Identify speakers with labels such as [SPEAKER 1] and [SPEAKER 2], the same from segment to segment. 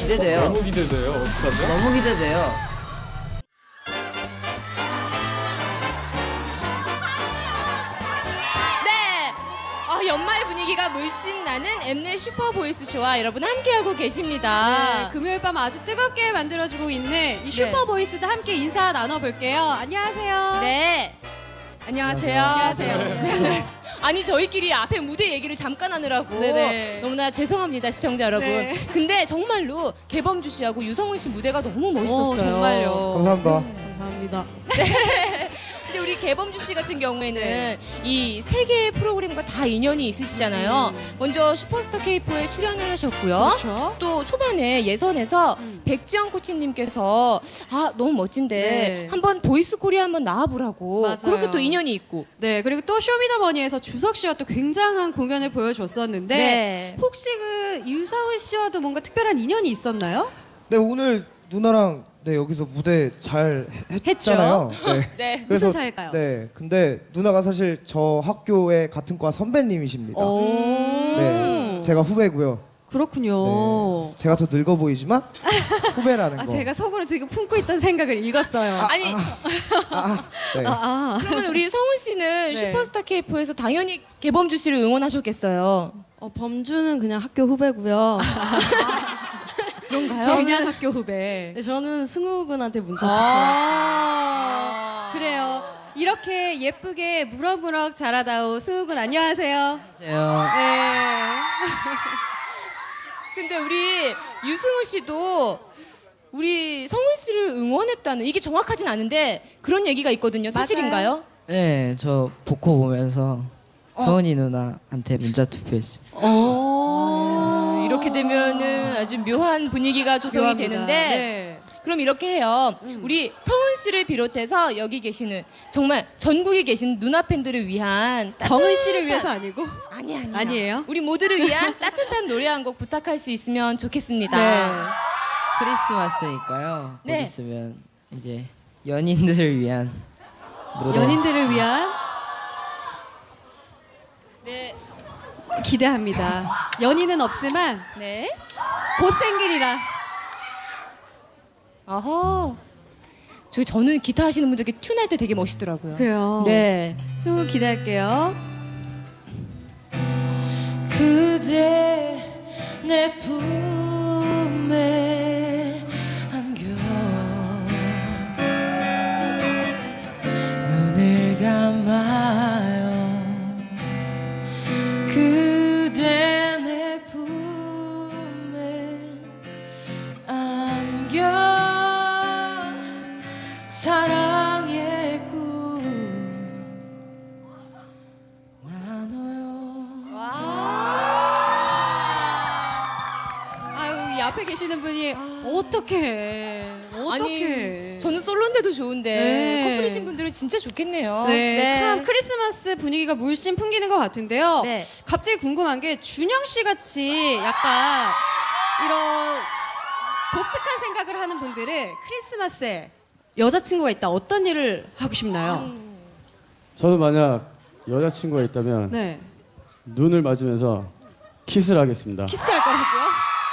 [SPEAKER 1] 기대돼요.
[SPEAKER 2] 너무 기대돼요. 어떡하죠?
[SPEAKER 1] 너무 기대돼요.
[SPEAKER 3] 네. 연말 분위기가 물씬 나는 엠넷 슈퍼보이스쇼와 여러분 함께하고 계십니다.
[SPEAKER 4] 네, 금요일 밤 아주 뜨겁게 만들어주고 있는 이 슈퍼보이스도 함께 인사 나눠볼게요. 안녕하세요.
[SPEAKER 3] 네. 안녕하세요.
[SPEAKER 4] 안녕하세요.
[SPEAKER 3] 아니 저희끼리 앞에 무대 얘기를 잠깐 하느라고
[SPEAKER 4] 네네.
[SPEAKER 3] 너무나 죄송합니다 시청자 여러분.
[SPEAKER 4] 네.
[SPEAKER 3] 근데 정말로 개범주 씨하고 유성훈 씨 무대가 너무 멋있었어요.
[SPEAKER 4] 정말요.
[SPEAKER 5] 감사합니다.
[SPEAKER 4] 감사합니다.
[SPEAKER 3] 근데 우리 개범주 씨 같은 경우에는 이 세 개의 프로그램과 다 인연이 있으시잖아요. 먼저 슈퍼스타 K4에 출연을 하셨고요.
[SPEAKER 4] 그렇죠.
[SPEAKER 3] 또 초반에 예선에서 백지영 코치님께서 너무 멋진데
[SPEAKER 4] 네.
[SPEAKER 3] 한번 보이스 코리아 한번 나와보라고
[SPEAKER 4] 맞아요.
[SPEAKER 3] 그렇게 또 인연이 있고.
[SPEAKER 4] 네, 그리고 또 쇼미더머니에서 주석 씨와 또 굉장한 공연을 보여줬었는데
[SPEAKER 3] 네.
[SPEAKER 4] 혹시 그 유성훈 씨와도 뭔가 특별한 인연이 있었나요?
[SPEAKER 5] 네, 오늘 누나랑 여기서 무대 잘 했잖아요. 네.
[SPEAKER 3] 네.
[SPEAKER 4] 무슨 사이일까요?
[SPEAKER 5] 네, 근데 누나가 사실 저 학교의 같은 과 선배님이십니다.
[SPEAKER 4] 오.
[SPEAKER 5] 네, 제가 후배고요.
[SPEAKER 4] 그렇군요.
[SPEAKER 5] 네, 제가 더 늙어 보이지만 후배라는 거.
[SPEAKER 4] 제가 속으로 지금 품고 있던 생각을 읽었어요.
[SPEAKER 3] 아니
[SPEAKER 5] 네.
[SPEAKER 3] 그러면 우리 성훈 씨는
[SPEAKER 4] 네.
[SPEAKER 3] 슈퍼스타 K4에서 당연히 개범주 씨를 응원하셨겠어요.
[SPEAKER 6] 범주는 그냥 학교 후배고요.
[SPEAKER 4] 그런가요? 그냥 학교 후배.
[SPEAKER 6] 네, 저는 승우 군한테 문자 찍고 왔어요.
[SPEAKER 4] 그래요. 이렇게 예쁘게 무럭무럭 자라다오 승우군 안녕하세요.
[SPEAKER 1] 안녕하세요.
[SPEAKER 4] 네.
[SPEAKER 3] 근데 우리 유승우 씨도 우리 성훈 씨를 응원했다는 이게 정확하진 않은데 그런 얘기가 있거든요. 사실인가요?
[SPEAKER 1] 네, 저 보코 보면서 서은이 누나한테 문자 투표했습니다.
[SPEAKER 3] 이렇게 되면은 아주 묘한 분위기가 조성이
[SPEAKER 4] 묘합니다.
[SPEAKER 3] 되는데
[SPEAKER 4] 네.
[SPEAKER 3] 그럼 이렇게 해요. 우리 성훈 씨를 비롯해서 여기 계시는 정말 전국에 계신 누나 팬들을 위한
[SPEAKER 4] 정은 씨를 위해서 아니고
[SPEAKER 3] 아니에요.
[SPEAKER 4] 아니에요?
[SPEAKER 3] 우리 모두를 위한 따뜻한 노래 한 곡 부탁할 수 있으면 좋겠습니다.
[SPEAKER 4] 네.
[SPEAKER 1] 크리스마스니까요. 곧
[SPEAKER 3] 네.
[SPEAKER 1] 있으면 이제 연인들을 위한 노래.
[SPEAKER 4] 연인들을 위한
[SPEAKER 3] 네.
[SPEAKER 4] 기대합니다. 연인은 없지만
[SPEAKER 3] 네.
[SPEAKER 4] 곧 생길이라.
[SPEAKER 3] 어허. 저는 기타 하시는 분들 이렇게 튠할 때 되게 멋있더라고요.
[SPEAKER 4] 그래요.
[SPEAKER 3] 네.
[SPEAKER 4] 승우 기대할게요.
[SPEAKER 3] 그대 내 품에 안겨 눈을 감아요 그대 내 품에 안겨 사랑의 꿈 나눠요.
[SPEAKER 4] 아유, 이 앞에 계시는 분이 어떡해.
[SPEAKER 3] 아니 저는 솔로인데도 좋은데
[SPEAKER 4] 네.
[SPEAKER 3] 커플이신 분들은 진짜 좋겠네요.
[SPEAKER 4] 네, 참 크리스마스 분위기가 물씬 풍기는 것 같은데요.
[SPEAKER 3] 네.
[SPEAKER 4] 갑자기 궁금한 게 준영 씨 같이 약간 이런 독특한 생각을 하는 분들은 크리스마스에 여자친구가 있다 어떤 일을 하고 싶나요?
[SPEAKER 2] 저는 만약 여자친구가 있다면
[SPEAKER 4] 네,
[SPEAKER 2] 눈을 맞으면서 키스를 하겠습니다.
[SPEAKER 4] 키스할 거라고요?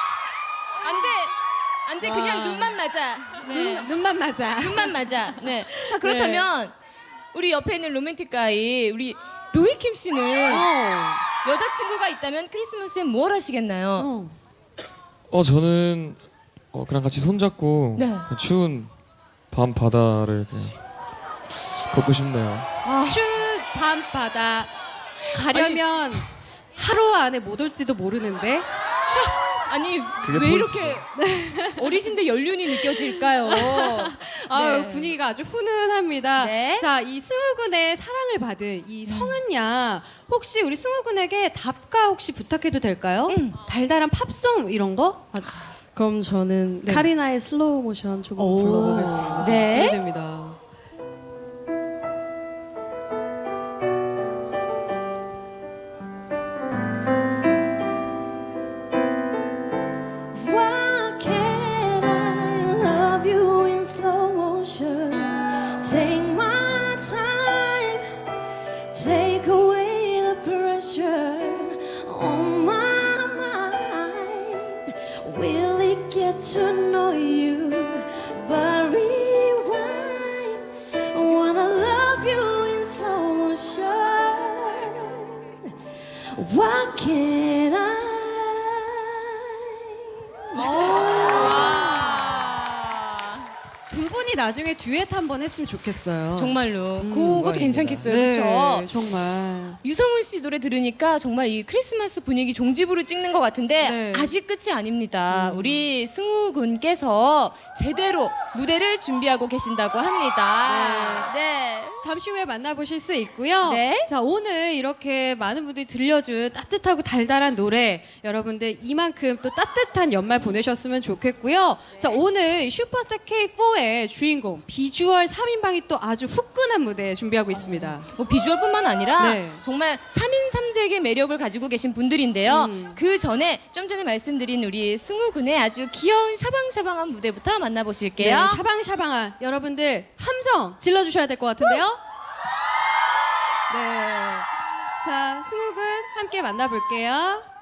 [SPEAKER 3] 안 돼, 그냥 눈만 맞아. 네.
[SPEAKER 4] 눈만 맞아.
[SPEAKER 3] 눈만 맞아. 네. 자 그렇다면 우리 옆에 있는 로맨틱 가이 우리 로이킴 씨는 여자친구가 있다면 크리스마스에 뭘 하시겠나요?
[SPEAKER 7] 저는 그냥 같이 손잡고
[SPEAKER 3] 네.
[SPEAKER 7] 추운 밤 바다를 그냥 걷고 싶네요.
[SPEAKER 4] 추운 밤바다 가려면 하루 안에 못 올지도 모르는데.
[SPEAKER 3] 아니
[SPEAKER 2] 그게
[SPEAKER 3] 왜
[SPEAKER 2] 포인트죠.
[SPEAKER 3] 이렇게 어리신데 연륜이 느껴질까요?
[SPEAKER 4] 아유,
[SPEAKER 3] 네.
[SPEAKER 4] 분위기가 아주 훈훈합니다.
[SPEAKER 3] 네.
[SPEAKER 4] 자, 이 승우군의 사랑을 받은 이 성은 양 혹시 우리 승우군에게 답가 혹시 부탁해도 될까요? 달달한 팝송 이런 거?
[SPEAKER 6] 그럼 저는
[SPEAKER 4] 네.
[SPEAKER 6] 카리나의 슬로우 모션 조금 불러보겠습니다.
[SPEAKER 3] 네.
[SPEAKER 4] 기대됩니다.
[SPEAKER 6] Why can't I love you in slow motion? Take my time, take away the pressure on my mind. Will it get What can I?
[SPEAKER 4] 두 분이 나중에 듀엣 한번 했으면 좋겠어요.
[SPEAKER 3] 정말로 그것도 괜찮겠어요.
[SPEAKER 4] 네,
[SPEAKER 3] 그렇죠?
[SPEAKER 4] 정말.
[SPEAKER 3] 유성훈 씨 노래 들으니까 정말 이 크리스마스 분위기 종지부를 찍는 것 같은데
[SPEAKER 4] 네.
[SPEAKER 3] 아직 끝이 아닙니다. 우리 승우 군께서 제대로 무대를 준비하고 계신다고 합니다. 네.
[SPEAKER 4] 잠시 후에 만나보실 수 있고요.
[SPEAKER 3] 네.
[SPEAKER 4] 자, 오늘 이렇게 많은 분들이 들려준 따뜻하고 달달한 노래, 여러분들 이만큼 또 따뜻한 연말 보내셨으면 좋겠고요. 자, 오늘 슈퍼스타 K4의 주인공 비주얼 3인방이 또 아주 후끈한 무대 준비하고 있습니다.
[SPEAKER 3] 뭐 비주얼뿐만 아니라
[SPEAKER 4] 네.
[SPEAKER 3] 정말 3인 3색의 매력을 가지고 계신 분들인데요. 그 전에 좀 전에 말씀드린 우리 승우 군의 아주 귀여운 샤방샤방한 무대부터
[SPEAKER 4] 네,
[SPEAKER 3] 만나보실게요.
[SPEAKER 4] 샤방샤방한 여러분들 함성 질러주셔야 될 것 같은데요. 네. 자, 승욱은 함께 만나볼게요.